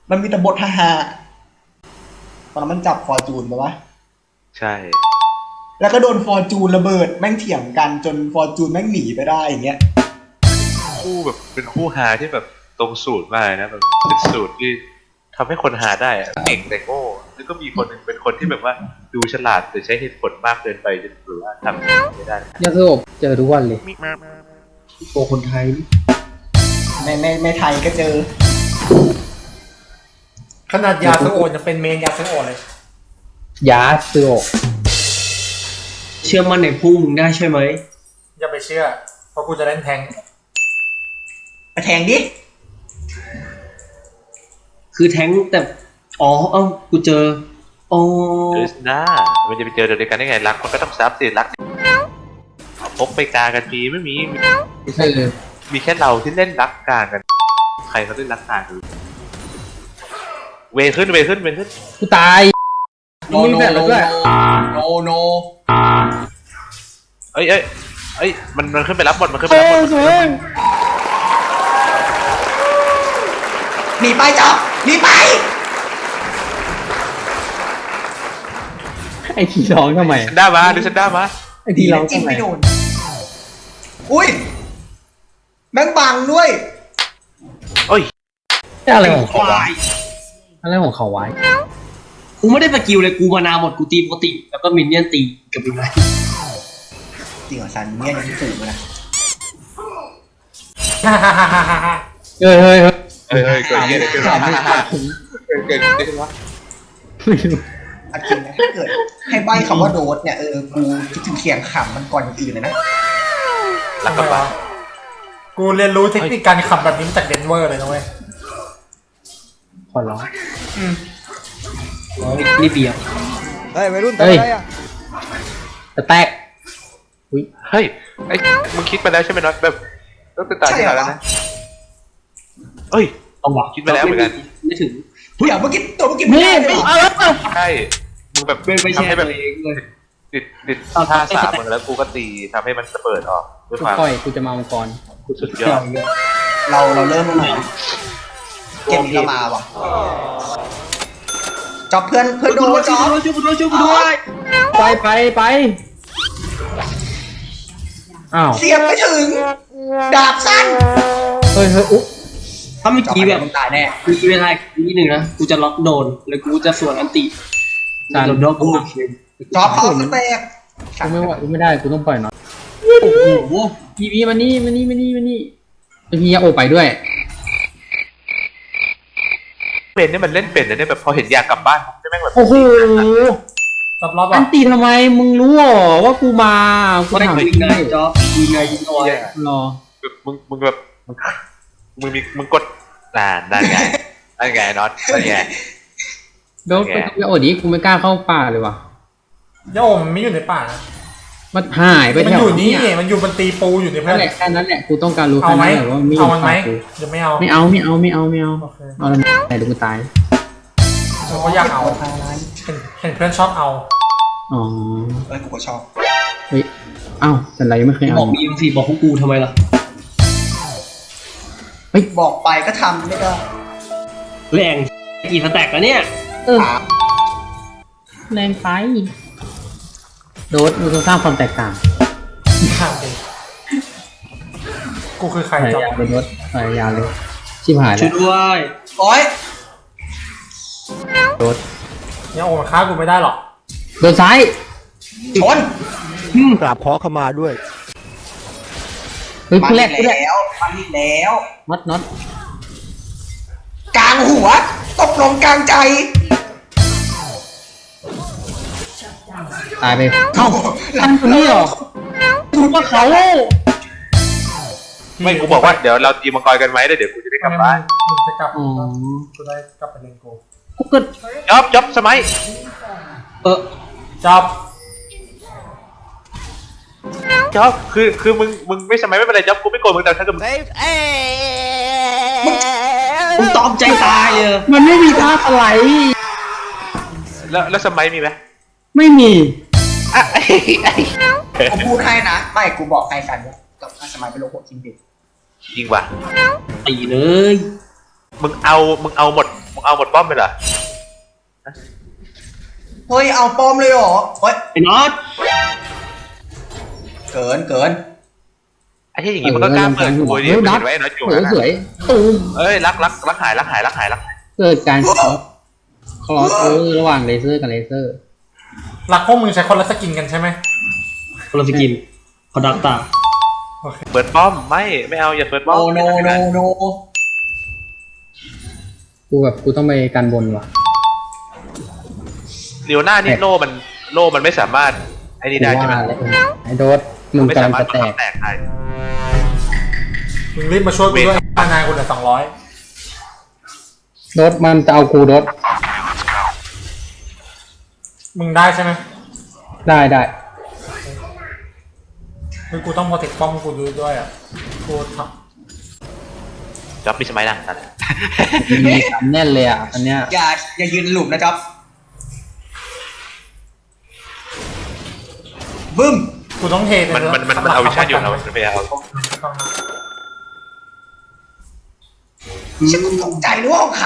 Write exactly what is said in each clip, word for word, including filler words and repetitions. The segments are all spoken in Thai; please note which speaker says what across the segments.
Speaker 1: มันมีแต่บทฮาๆตอนนั้นมันจับฟอร์จูนไปวะ
Speaker 2: ใช่
Speaker 1: แล้วก็โดนฟอร์จูนระเบิดแม่งเถียงกันจนฟอร์จูนแม่งหนีไปได้อย่างเงี้ย
Speaker 2: คู่แบบเป็นคู่หาที่แบบตรงสูตรมากนะแบบเป็นสูตรที่ทำให้คนหาได้อะเก่งแต่โง่แล้วก็มีคนหนึ่งเป็นคนที่แบบว่าดูฉลาดแต่ใช้เหตุผลมากเกินไปจนหรือว่าทำไม่ได้
Speaker 3: ยาสลบเจอทุกวันเลยโตคนไทย
Speaker 1: ในในในไทยก็เจอ
Speaker 4: ขนาดยาสโอดจะเป็นเมนยาสโอดเลย
Speaker 3: ยาสลบเชื่อมั่นในผู้มึงได้ใช่ไหม
Speaker 4: อย่าไปเชื่อเพราะกูจะเล่นแทง
Speaker 1: ไปแทงดิ
Speaker 3: คือแทงแต่อ๋อเอ้ากูเจออ๋อ
Speaker 2: เออหน้ามันจะไปเจอเดียวกันได้ไงรักมันก็ต้องซับสิรักพกไปกากันปีไม่มี
Speaker 3: ไม่ใช่เลย
Speaker 2: มีแค่เราที่เล่นรักกากันใครเขาเล่นรักกากันเวขึ้นเวขึ้นเวขึ้น
Speaker 3: กูตายโนโนโน
Speaker 1: โนโน
Speaker 2: เอ้ยเอ้ยเอ้ยมันมันขึ้นไปรับบทมันขึ้นไปรับบท
Speaker 1: หนีไปจ๊อบหนีไป
Speaker 3: ไอ้ที่ร้องทำไม
Speaker 2: ฉันได้มาดูฉันได้มา
Speaker 3: ไอ้ที่ร้องทำไม
Speaker 1: อุ้ยแม่งบังด้วย
Speaker 2: โอ้ย
Speaker 3: อะไรของเขาอะไรของเขาไว้กูไม่ได้สกิลเลยกูมานาหมดกูตีปกติแล้วก็มินเนี่ยนตีกับมินเนี่ย
Speaker 1: จริงเหรอซันเนี่ยยังสูงนะ
Speaker 3: เฮ้ยเฮ้ยเฮ้ย
Speaker 2: เฮ้ยเฮ้ยเกิดเงี้ยเกิดอะไรขึ้นเกิดอะไรขึ้นวะ
Speaker 1: อันจริงนะถ้าเกิดให้ใบคำว่าโดดเนี่ยเออกูคิดถึงเสียงขำมันก่อนอย่างอื่นเลยนะ
Speaker 2: รักกับบ้า
Speaker 4: กูเรียนรู้เทคนิคการขำแบบนี้มาจากเดนเวอร์เลยนะเว้ย
Speaker 3: ขอร้องอืมนี่เบียร์
Speaker 5: เฮ้ยวัยรุ่นทำอะไรอ่ะ
Speaker 3: จะแตก
Speaker 2: อุ้ยเฮ้ยไอ้มึงคิดมาแล้วใช่ไหมน็อตแบบต้องติดตามที่ไหนแล้วนะเอ้ย
Speaker 3: เอาหวัง
Speaker 2: คิดมาแล้วเหมือนกัน
Speaker 3: ไม่ถึง
Speaker 1: เดี๋ยวเมื่อกี้ตัวเมื่อกี้ไม่ได้
Speaker 2: ใช่มึงแบบทำให้แบบติดติดท่าสามมึงแล้วกูก็ตีทำให้มันเปิดออก
Speaker 3: ด้วยความค่อยกูจะมามังกร
Speaker 2: กูสุดยอด
Speaker 1: เราเราเริ่มเมื่อไหร่เกมนี้เรามาว่ะจับเพื่อนเพื่อนโดนจับ
Speaker 3: ช่วยกูด้วยช่วยกูด้วยไปไปไปอ้าว
Speaker 1: เสียบไปถึงดาบสั้น
Speaker 3: เฮ้ยเฮ้ยอุ๊ถ้าเมื่อกี้แบบตายแน่มีเวลานิดนึงนะกูจะล็อกโดนแล้วกูจะสวนอันติจานล็อกกู
Speaker 1: จอบเขาสเต็ก
Speaker 3: กูไม่ไหวกูไม่ได้กูต้องปล่อยหน่อยโอ้โหพีพีมานี่มานี่มานี่มานี่พียาโอไปด้วย
Speaker 2: เป็นนี่มันเล่นเป็นนะเนี่ยแบบพอเห็นอยากกลับบ้านจะแม่งแบบ
Speaker 3: โอ้โห
Speaker 4: จับรอบ
Speaker 3: อันตีทำไมมึงรู้หรอว่ากูมากูถามจริงเลยจ๊อบกูไงยิงตัวรอ
Speaker 2: มึงมึงแบบมึงมีมึงกดอ่าได้ไงได้ไงน็อตได้ไง
Speaker 3: โดนไปโอ้ดิกูไม่กล้าเข้าป่าเลยว่ะ
Speaker 4: ย่าอมไม่อยู่ในป่านะ
Speaker 3: มันหายไป
Speaker 4: มันอยู่นี่มันอยู่บนตีปูอยู่ในเพื่อน
Speaker 3: แค่นั้นแหละกูต้องการรู้แค่
Speaker 4: นั้น
Speaker 3: แหละว่ามี
Speaker 4: เอามันไหมจะไม่เอา
Speaker 3: ไม่เอาไม่เอาไม่เอาไม่เอาเอาแล้วไหนดูกูตาย
Speaker 4: เราก็อยากเอาเห็นเพื่อนชอบเอา
Speaker 3: อ๋อ
Speaker 1: เออกูก็ชอบ
Speaker 3: เฮ้ยเอ้าแต่ไรไม่เคยเอาบอกมีเอ็มซีบอกพวกกูทำไมล่ะ
Speaker 1: เฮ้ยบอกไปก็ทำไม่ได้
Speaker 3: แรงกี่สแต็กแล้วเนี่ยเออแรงไปโดดมึงต้องสร้างความแตกต่าง
Speaker 4: กูคือใคร
Speaker 3: จับไปโดดพยายามเลยชิบหายแล้วช่วยด้วย
Speaker 1: โอ้ย
Speaker 3: โดด
Speaker 4: เนี่ยโอ้มันฆ่ากูไม่ได้หรอก
Speaker 3: โดดซ้าย
Speaker 1: ชน
Speaker 5: กราบขอขมาด้วย
Speaker 3: เฮ้ยแรก
Speaker 1: แล้วมันนี่แล้ว
Speaker 3: น็อตน็อต
Speaker 1: กลางหัวตกลงกลางใจ
Speaker 3: ตายไปเอ้าทำคนนี้หรอถูกว่าเขา
Speaker 2: ไม่กูบอกว่าเดี๋ยวเราตีมังกรกันไหมเดี๋ยวกูจะได้กลับบ้าน
Speaker 4: จะกลับกูได้กลับไปเล่นกู
Speaker 3: กูเกิด
Speaker 2: จ๊อบจ๊อบสมัย
Speaker 3: เออ
Speaker 4: จ๊อบ
Speaker 2: จ๊อบคือคือมึงมึงไม่สมัยไม่เป็นไรจ๊อบกูไม่โกรธมึงแต่ถ้าเกิดมึง
Speaker 3: มึงตอมใจตายเออมันไม่มีท่าอะไร
Speaker 2: แล้วแล้วสมัยมีไหม
Speaker 3: ไม่มี
Speaker 2: อ่ะ
Speaker 1: กูพูดให้นะไม่กูบอกใครกันว่ากับสมัยเป็นโลโก้จริงดิ
Speaker 2: จริงว่ะ
Speaker 3: ตีเลย
Speaker 2: มึงเอามึงเอาหมดมึงเอาหมดป้อมไปเหรอ
Speaker 1: เฮ้ยเอาปอมเลยเหรอเฮ้ย
Speaker 3: ไอ้น็อต
Speaker 1: เกินเกิน
Speaker 2: ไอ้ที่อย่างงี้มันก็กล้าเปิดกูดิมันเห็นไว้ไอ้น็อตอยู่
Speaker 3: สวย
Speaker 2: นะ
Speaker 3: สวยตูม
Speaker 2: เอ้ยรักรักรักหายรักหายรักหายรักหาย
Speaker 3: เกิดการคลอสคลอสโอเวอร์ระหว่างเลเซอร์กับเลเซอร์
Speaker 4: หลักพวกมึงใช้คนละสกินกันใช่ไหม
Speaker 3: คนละสกินคอดักตา
Speaker 2: เปิดป้อมไม่ไม่เอาอย่าเปิดป้อม
Speaker 1: โนโนโนโน
Speaker 3: กูแบบกูต้องไปกันบนว่ะ
Speaker 2: เลียวหน้านี่โล่มันโล่มันไม่สามารถไอ้นี่ได้ใช่ไหม
Speaker 3: ว่าแล้วไอ้โดสมึง
Speaker 2: ไม่
Speaker 3: กำ
Speaker 2: สา
Speaker 3: ลัง
Speaker 2: มารถ
Speaker 3: จะแตก
Speaker 2: แตกได้
Speaker 4: มึงรีบมาช่วยกูด้วยค่านายกูเหลือสองร้อย
Speaker 3: โดสมันจะเอากูโดส
Speaker 4: มึงได้ใช่ไหม
Speaker 3: ได้ได้
Speaker 4: คือกูต้องโปรเทคป้อมกูด้วยด้วยอ่ะกูท
Speaker 2: จ๊อบมีสมัยดังนั่น
Speaker 3: มีสามแน่นเลยอ่ะอันเนี้ย
Speaker 1: อย่าอย่ายืนหลุมนะจ๊อบบึ้ม
Speaker 4: ำกูต้องเท
Speaker 2: มันมันมันมันเอาวิชั่นอยู่นะมันไม่เอา
Speaker 1: ฉันตกใจนึกว่าของเขา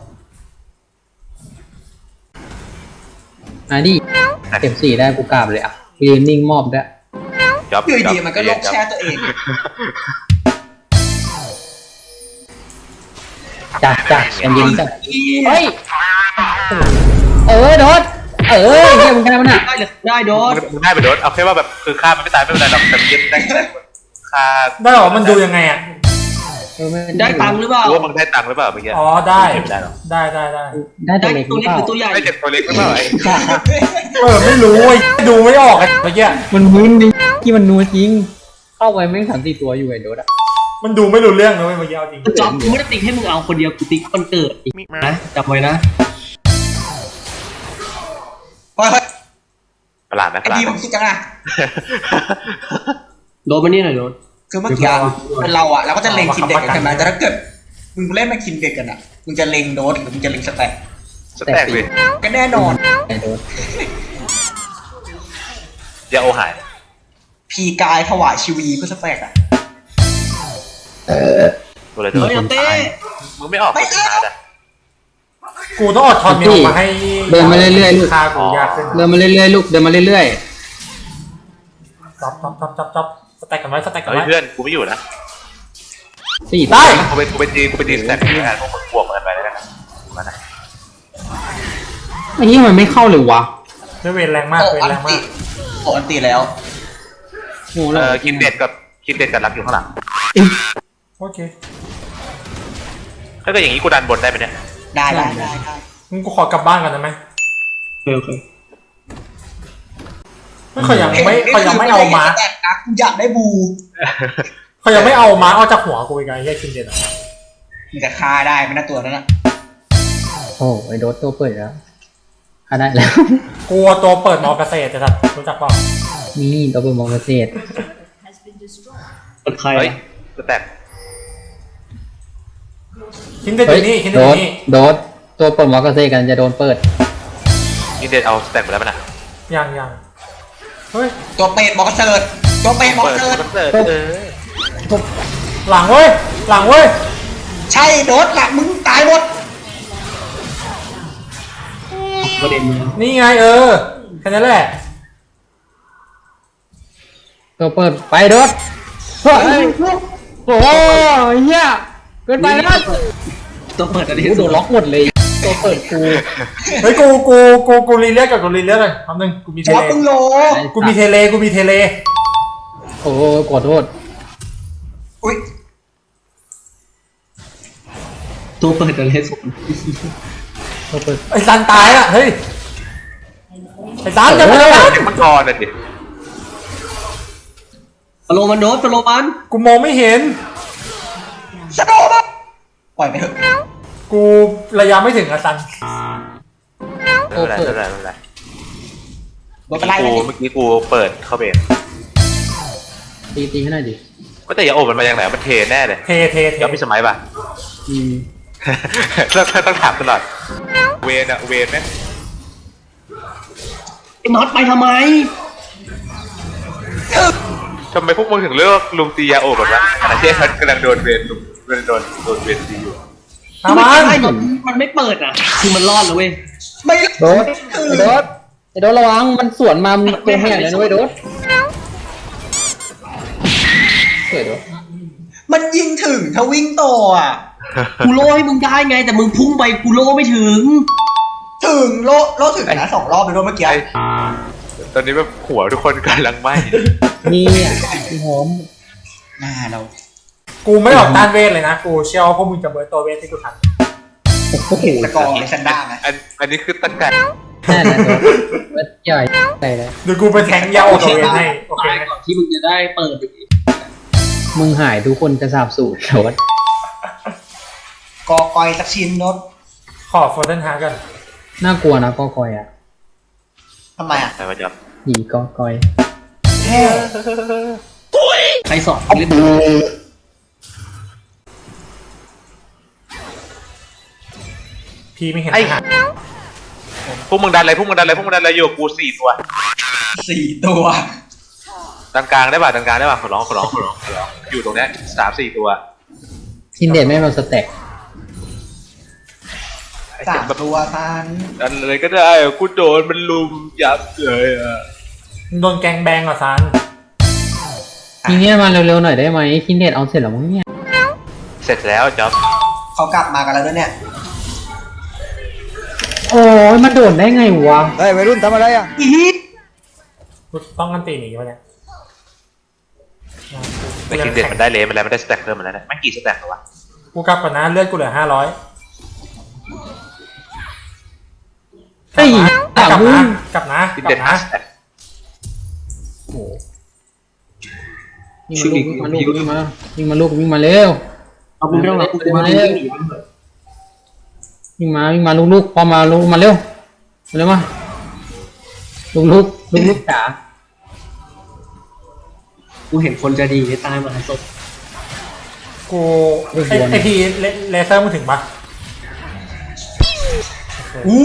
Speaker 3: อ่ะดิเก็บสี่ได้กูกราบเลยอ่ะยืนนิ่งมอบได้
Speaker 2: จ๊อบ
Speaker 1: อยู่
Speaker 2: จ๊อบ
Speaker 1: ดีมันก็ลบแช่ตัวเอง
Speaker 3: จ้ะจ้ะกันยิงจ้ะเฮ้ยเออโดสเออเฮียมึงแค่มันอ่ะได้เลยได้โดส
Speaker 2: มึงได้ไปโดนเอาแค่ว่าแบบคือฆ่ามันไม่ตายไม่เป็นไรหรอกแต่เย็นได้ฆ่า
Speaker 4: ได้หรอมันดูยังไงอ่ะ
Speaker 3: ได้ตังค์หรือเปล่า
Speaker 2: รู้ว่ามึงได้ตังค์หรือเปล่าเมื่อกี้
Speaker 4: อ๋อได้
Speaker 2: ไม่ได้หรอก
Speaker 4: ได้ได้ได้
Speaker 3: ได้ตัวเล็กหรือเปล่า
Speaker 2: ได้เจ็บตัวเล็กหรือเปล่าไอ้
Speaker 4: เออไม่รู้ไอ้ดูไม่ออกไอ้เมื่อกี้
Speaker 3: มันมึนดิที่มันนัวจริง เข้าไปแม่งสามสี่ตัวอยู่ไอ้โดสอ่ะ
Speaker 4: มันดูไม่รู้เรื่องเลยเมื่อกี้เอาจริง
Speaker 6: จอบกูไม่ได้ติ๊กให้มึงเอาคนเดียวกูติ๊กคนเกิดอีกนะจำไว้นะ
Speaker 1: เฮ้ย
Speaker 2: ประหลาดไหม
Speaker 1: ไอ้
Speaker 2: ประหลาด
Speaker 1: ดี
Speaker 2: ไหม
Speaker 1: มันคิดจังอะ
Speaker 6: โดนมานี่หน่อยโดน
Speaker 1: คือเมื่อกี้เป็นเราอะเราก็จะเล็งคินเด็กกันใช่ไหมแต่ถ้าเกิดมึงเล่นมาคินเด็กกันอะมึงจะเล็งโดสหรือมึงจะเล็งสแต็ก
Speaker 2: สแต็กเลย
Speaker 1: ก็แน่นอน
Speaker 3: ไอ้โดส
Speaker 2: อย่าโอหาย
Speaker 1: พีกายถวายชีวีเพื่อสแต็กอะ
Speaker 2: ตัวอะไรตัว
Speaker 6: เฮ้ยเอาเต้
Speaker 2: มึงไม่ออกไม่ออกอ่ะ
Speaker 4: กูต้องอดทนเมียมาให้
Speaker 3: เดินมาเรื่อยๆลูก
Speaker 4: คากูยากขึ้น
Speaker 3: เดินมาเรื่อยๆลูกเดินมาเรื่อย
Speaker 4: จับจับจับจับจับสแต็กกันไว้สแต็กกัน
Speaker 2: เฮ้ย
Speaker 4: ไว้
Speaker 2: เพื่อนกูไม่อยู่นะ
Speaker 3: ๆสี่
Speaker 4: ได้
Speaker 2: กูเป็นกูเป็นจีกูเป็นจีสแต็กงานพวกมึงบวกกันไปแล้วกันมานะ
Speaker 3: ไอ้เหี้ยมันไม่เข้าเลยวะ
Speaker 4: ด้วยเวรแรงมาก
Speaker 1: โอ้
Speaker 4: เวร
Speaker 1: อัน
Speaker 4: แรงมา
Speaker 1: ติ
Speaker 4: ก
Speaker 1: โอ้อันติแล้ว
Speaker 3: โง่
Speaker 2: เอ
Speaker 3: แล้ว
Speaker 2: อคินเด็ดกับคินเด็ดกับรักอยู่ข้างหลัง
Speaker 4: โอเค
Speaker 2: ถ้าเกิดอย่างนี้กูดันบนได้ไหมเนี่ย
Speaker 1: ได้ได้ได้ได้
Speaker 4: มึงกูขอกลับบ้านก่อนได้ไหม
Speaker 6: โอเค
Speaker 4: ไม่เขายังไม่เขายังไม่เอาม้า
Speaker 1: สแต็กนะกูอยากได้บู
Speaker 4: เขายังไม่เอาม้าออกจากหัวกูอีกไงแค่คินเด่นอ่ะ
Speaker 1: มึงจะฆ่าได้ไหมนะตัวนั้นอะ
Speaker 3: โอ้ไอ้โดสตัวเปิดแล้วฆ่าได้แล้ว
Speaker 4: กลัวตัวเปิดมอเกษตรแต่สัตว์รู้จักเปล่า
Speaker 3: นี่ตัวเปิดมองเกษตร
Speaker 6: เป็นใคร
Speaker 2: เฮ้ย
Speaker 6: อะ
Speaker 2: สแต็ก
Speaker 4: คินเด่นอ
Speaker 3: เฮ้ย
Speaker 4: ยู่นี่คิน
Speaker 3: โด
Speaker 4: เด่นอ
Speaker 3: ส
Speaker 4: ยู่นี่
Speaker 3: โดสตัวเปิดมองเกษตรกันจะโดนเปิด
Speaker 2: คินเด็ดเอาสแต็กไปแล้วมั้ยนะ
Speaker 4: ยังยังเฮ้ย
Speaker 1: ตัวเป็ดบอกเสิร์ตตัวเป็ดบอก
Speaker 2: เปิด
Speaker 1: เสิร์ต
Speaker 2: เปิดเออ
Speaker 4: หลังเว้ยหลังเว้ย
Speaker 1: ใช่โดสหลักมึงตายหมด
Speaker 6: ประเด็นเนี้ย
Speaker 4: นี่ไงเออแค่นั้นแหละ
Speaker 3: ตัวเปิดไปโดสเฮ้ยโอ้ยเหี้ยเกินไปแล้ว
Speaker 6: ตัวเปิดอะไร
Speaker 3: โอ้โดนล็อกหมดเลยตัวเปิดกู
Speaker 4: เฮ้ยกูกูกูกูรีเลียกกับกูรีเลียกเลยแป๊บนึงกูมีเท
Speaker 1: จอ
Speaker 4: เล
Speaker 1: บมึงโล
Speaker 4: กูมีเทเลกูมีเทเล
Speaker 3: โอ้ขอโทษ
Speaker 1: อุ้ย
Speaker 6: ตัวเปิดอะไรสุด
Speaker 3: ตัวเปิด
Speaker 4: ไอ้ซันตายอ่ะเฮ้ยไอ้ซันจะไม่ได้
Speaker 2: เด็กมังกรน่ะดิ
Speaker 6: ฟโลมันโดนฟโลมัน
Speaker 4: กูมองไม่เห็น
Speaker 1: สโนว์มาปล่อยไปเถอะ
Speaker 4: กูระยะไม่ถึงอะซัน
Speaker 2: ไม่เป็นไรไม่เป็นไรไม่เป็นไร
Speaker 1: โดนไปไล่
Speaker 2: กู
Speaker 1: เลย
Speaker 2: เมื่อกี้กูเปิดเข้าเบร
Speaker 3: ตีตีให้หน่อยดิ
Speaker 2: ก็แต่อย่าโอบมันมาอย่างไหนมันเทแน่เลย
Speaker 4: เทเทเท
Speaker 2: ย้อนมีสมัยป่ะ
Speaker 3: อืม
Speaker 2: ต้องต้องถามตลอดเวนอะเวนไหม
Speaker 6: ไอ้น็อตไปทำไม
Speaker 2: ทำไมพวกมึงถึงเลือกลุงตียาโอบแบบว่าขณะที่ฉันกำลังโดนเวนลุงโดนโดนโดนเวนตีอยู่
Speaker 4: ตามมา
Speaker 6: ไอ้หนมันไม่เปิดอ่ะคือมันรอดแล้วเว้ย
Speaker 1: ไม่
Speaker 3: โดดไอ้โดดไอ้โดดระวังมันสวนมามึงตัวแห้งเลยนะเว้ยโดดเฮ้ยโดด
Speaker 1: มันยิงถึงถ้าวิ่งต่ออ่ะ
Speaker 6: กูโล่ให้มึงได้ไง แต่มึงพุ่งไปกูโล่ไม่ถึง
Speaker 1: ถึงโลโลถึงนะสองรอบไปด้วยเมื่อกี้
Speaker 2: ไอ้ตอนนี้แบบหัวทุกคนกำลังไหม้
Speaker 3: นี่อ่ะพี่หอม
Speaker 1: หน้าเรา
Speaker 4: กูไม่ออกต้านเวทเลยนะกูเชื่อว่าพวกมึงจะเบิร์ตตัวเวทที่กูทัน
Speaker 3: โอ้โห
Speaker 1: สกอร์ในซันด้าไหม
Speaker 2: อันอันนี้คือตะกั่น
Speaker 3: แน่นะโดดว่าใหญ่ใส่เลย
Speaker 4: เดี๋ยวกูไปแทงยาวตัวเวทให้โอเค
Speaker 6: ตาย
Speaker 4: ไหม
Speaker 6: ก่อนที่มึงจะได้เปิดอีก
Speaker 3: มึงหายทุกคนจะสาบสูญโดด
Speaker 1: กอกอยสักชิ้นโนด
Speaker 4: ขอโฟร์เทนฮาร์กัน
Speaker 3: น่ากลัวนะกอกอยอ่ะ
Speaker 1: ทำไมอ่ะ
Speaker 2: ใช่ไหมจ๊อบ
Speaker 3: หีกอกอย
Speaker 1: แค่
Speaker 6: ใครสอนเล่น
Speaker 4: พี่ไม่เห็นทหาร
Speaker 2: พวกมึงดันอะไรพวกมึงดันอะไรพวกมึงดันอะไรอยู่กับกูสี่ตัว
Speaker 1: สี่ตัว
Speaker 2: ดันกลางได้ป่ะดันกลางได้ป่ะขอร้องขอร้องขอร้องขอร้องอยู่ตรงเนี้ยสามสี่ตัว
Speaker 3: คินเด็ดไม่มาสเต็ก
Speaker 1: สามตัวซัน
Speaker 2: ดันอะไรก็ได้อะกูโดนมันลุมยับเลยอ่ะ
Speaker 4: โดนแกงแบงเหรอซัน
Speaker 3: ทีเนี้ยมาเร็วๆหน่อยได้ไหมคินเด็ดเอาเสร็จแล้วมั้งเนี่ย
Speaker 2: เสร็จแล้วจ๊อบ
Speaker 1: เขากลับมากันแล้วด้วยเนี่ย
Speaker 3: โอ้ยมันโดดได้ไงวะ
Speaker 5: เฮ้ยวัยรุ่นทำอะไรอ่ะ
Speaker 4: กูต้องกันตีหนีมาเนี่ย
Speaker 2: แต่คิงเด็ดมันได้เลนมันแล้วมันได้สแต็กเพิ่มมาแล้วนะไม่กี่สแต็กหรอวะ
Speaker 4: กูกลับก่อนนะเลือดกูเหลือห้าร้อย
Speaker 3: เฮ้ย
Speaker 4: กลับ
Speaker 3: ถามมึ
Speaker 4: นะ
Speaker 3: ง
Speaker 4: กลับนะ
Speaker 2: คิง
Speaker 4: กลั
Speaker 2: เด็ด
Speaker 4: บ
Speaker 2: ห้า
Speaker 4: นะ
Speaker 2: สแต็ก
Speaker 3: โอ้ยิงมาลูกยิงมาลูกยิงมายิงมาลูกวิ่งมาเร็ว
Speaker 6: เอามึงไม่ต้องรับกูกูมาเล่นหนีมันเถอะ
Speaker 3: วิ่งมาวิ่งมาลูกๆพอมาลูกมาเร็วเร็วมาลูกลูกลูกลูกจ๋า
Speaker 6: กูเห็นคนจะดีตายมาหาศพ
Speaker 4: กูไอไอพีเลเซอร์มึงถึงปะ
Speaker 1: อู้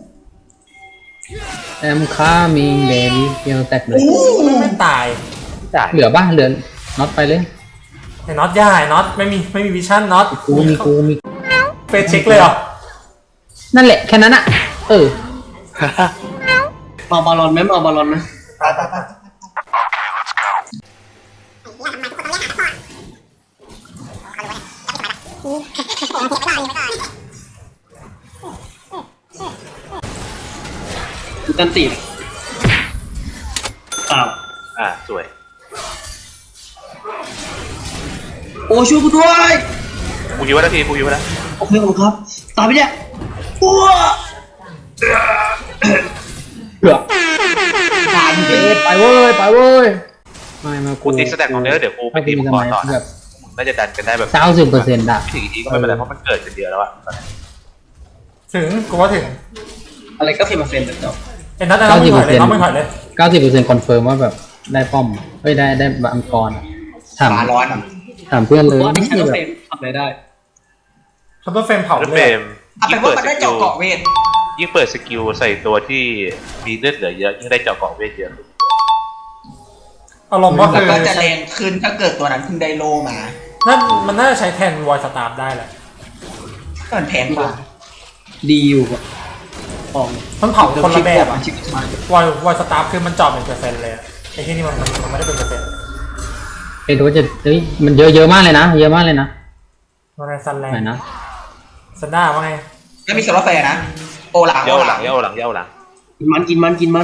Speaker 3: แอมค่ามิงเบบี้เกียวแตกเลย
Speaker 1: อู้
Speaker 4: ไม่ตาย
Speaker 2: จ่าย
Speaker 3: เหลือบ้าเหลือน็อตไปเลย
Speaker 4: ไอ้น็อตย่าไอ้น็อตไม่มีไม่มีวิชั่นน็อต
Speaker 3: กูมีกูมี
Speaker 4: เฟซเช็คเลยเหรอ
Speaker 3: นั่นแหละแค่นั้นอะเออ
Speaker 6: มาบอลลอนไหมมาบอลลอนนะ
Speaker 1: ไปไปไป
Speaker 6: กูตันตีอ้าว
Speaker 2: อ่าสวย
Speaker 6: โอ้ช่วยกูด้วย
Speaker 2: กูยิงไว้แล้วทีกูยิงไว้แล้ว
Speaker 6: โอเคผมครับตายไปเนี่ยอ้ว
Speaker 3: เกือบตามเอ็ดไปเว้ยไปเว้ยไม่มา
Speaker 2: กูตีสแต็กของเนื้อเดี๋ยวกูไปตีมังกรต่อ
Speaker 3: แบ
Speaker 2: นะ
Speaker 3: บ
Speaker 2: น่าจะดันกันได้แบบ
Speaker 3: เก้าสิบเปอร์เซ็นต์อะ
Speaker 2: ถึงอีกทีก็ไม่เป็นไรเพราะมันเกิดกันเดียวแล้วอะ
Speaker 4: ถึงกูว่าถึง
Speaker 6: อะไรก็เฟรมเฟรมแบบเดิม
Speaker 4: ไอ้น็อตไอ้น็อตไม่ถอยเลยน็อตไม่ถอยเลย
Speaker 3: เก้าสิบเปอร์เซ็นต์คอนเฟิร์มว่าแบบได้ป้อมเฮ้ยได้ได้บังกรอะถาม
Speaker 1: ฝาร้อนอ่ะ
Speaker 3: ถามเพื่อนเลย
Speaker 6: ว่าไม่
Speaker 3: นี่
Speaker 6: ใช่
Speaker 3: คือ
Speaker 6: ว่า
Speaker 3: แบ
Speaker 6: เฟร
Speaker 3: บ
Speaker 6: มทำอะไรได้
Speaker 4: คัพเปอร์เฟรมเผา
Speaker 2: แล้ว
Speaker 4: เล
Speaker 2: เฟร
Speaker 4: ย
Speaker 2: ม
Speaker 1: เอา
Speaker 2: ยิ่
Speaker 1: เป็
Speaker 2: ง
Speaker 1: น
Speaker 2: เปิ
Speaker 1: ว่า
Speaker 2: ด
Speaker 1: มัน
Speaker 2: ส
Speaker 1: ได้
Speaker 2: กิ
Speaker 1: เจาะ
Speaker 2: ล
Speaker 1: เกาะเวท
Speaker 2: ยิ่งเปิดสกิลใส่ตัวที่มีเลือดเหลือเยอะยิ่งได้เจาะเกาะเวทเยอะ
Speaker 4: อารมณ์ก็
Speaker 1: แล้
Speaker 4: คื
Speaker 1: ว
Speaker 4: อ
Speaker 1: ก็จะแรงขึ้นถ้าเกิดตัวนั้นเพิ่งได้โลมา
Speaker 4: นั่นมันน่าจะใช้แทนวอยสตาร์ได้แหละ
Speaker 1: ก็มันแพงกว่า
Speaker 6: ดีอยู่อะของ
Speaker 4: มันเผาคนละแบบอะ
Speaker 6: ชิคกี้พายว
Speaker 4: อยวอยสตาร์คือมันเจาะเป็นเปอร์เซ็นต์เลยอะไอ้ที่นี่มันมันมันไม่ได้เป็นเปอร์เซ็นต์
Speaker 3: ไอ้ตัวจะเฮ้ยมันเยอะเยอะมากเลยนะเยอะมากเลยนะ
Speaker 4: มันในซันแลน
Speaker 3: ไหน
Speaker 4: ด์
Speaker 3: นะ
Speaker 4: ซันด้าว่าไง
Speaker 1: แล้วมีโซลาร์แฟร์นะ โอหลัง
Speaker 2: เย้าหลังเย้าหลังเย้าหลัง
Speaker 6: กินมันกินมันกินมัน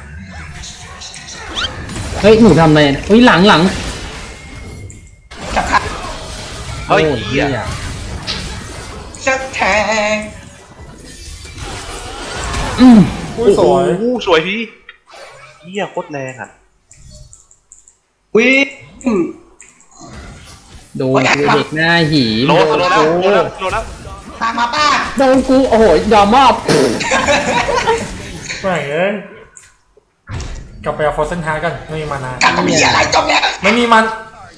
Speaker 3: เฮ้ยหนูทำอะไรเฮ้ยหลังหลัง
Speaker 1: จับขา
Speaker 2: เฮ้ย
Speaker 3: โอ้
Speaker 2: เหี้ย
Speaker 1: จะแทง
Speaker 3: อืม
Speaker 4: อุ้ยสวย
Speaker 2: โอ้โหสวยพี่เหี้ยโคตรแรงอ่ะ
Speaker 6: วิ่ง
Speaker 3: โดนกูเด็กหน้าหี
Speaker 2: โล
Speaker 3: โด
Speaker 2: โล
Speaker 3: น
Speaker 2: แล้ว
Speaker 3: กู
Speaker 2: โลแล้วโลแล้ว
Speaker 1: ตามมาป้า
Speaker 3: โดนกูโอ้โหยอมมอบ
Speaker 4: ไม่เอ้ยกลับไปเอาโฟร์เซนฮาร์กันไม่มีมานาน
Speaker 1: กันมีอะไรจบแล้ว
Speaker 4: ไม่มีมัน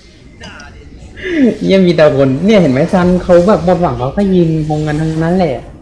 Speaker 3: ยังมีแต่คนเนี่ยเห็นไหมซันเขาแบบหมดหวังเขาก็ยิงมงกันทั้งนั้นแหละ